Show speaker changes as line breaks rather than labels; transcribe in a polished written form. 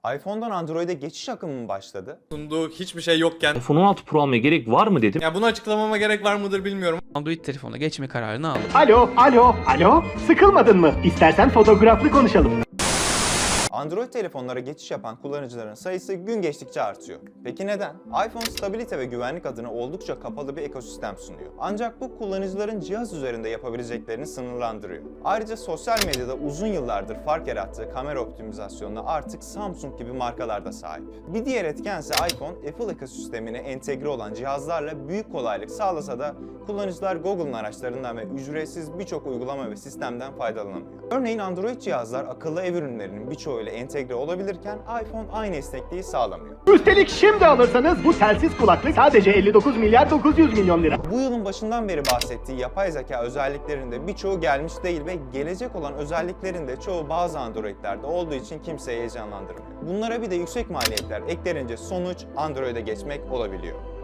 iPhone'dan Android'e geçiş akımı mı başladı?
Sunduğu hiçbir şey yokken
iPhone 16 Pro almaya gerek var mı dedim.
ya bunu açıklamama gerek var mıdır bilmiyorum.
Android telefonuna geçme kararını aldım.
Alo. Sıkılmadın mı? İstersen fotoğraflı konuşalım.
Android telefonlara geçiş yapan kullanıcıların sayısı gün geçtikçe artıyor. Peki neden? iPhone stabilite ve güvenlik adına oldukça kapalı bir ekosistem sunuyor. Ancak bu kullanıcıların cihaz üzerinde yapabileceklerini sınırlandırıyor. Ayrıca sosyal medyada uzun yıllardır fark yarattığı kamera optimizasyonuna artık Samsung gibi markalar da sahip. Bir diğer etkense iPhone, Apple ekosistemine entegre olan cihazlarla büyük kolaylık sağlasa da kullanıcılar Google'ın araçlarından ve ücretsiz birçok uygulama ve sistemden faydalanamıyor. Örneğin Android cihazlar akıllı ev ürünlerinin birçoğuyla entegre olabilirken iPhone aynı esnekliği sağlamıyor.
Üstelik şimdi alırsanız bu telsiz kulaklık sadece 59 milyar 900 milyon lira.
Bu yılın başından beri bahsettiği yapay zeka özelliklerinde birçoğu gelmiş değil ve gelecek olan özelliklerin de çoğu bazı Android'lerde olduğu için kimseyi heyecanlandırmıyor. Bunlara bir de yüksek maliyetler eklenince sonuç Android'e geçmek olabiliyor.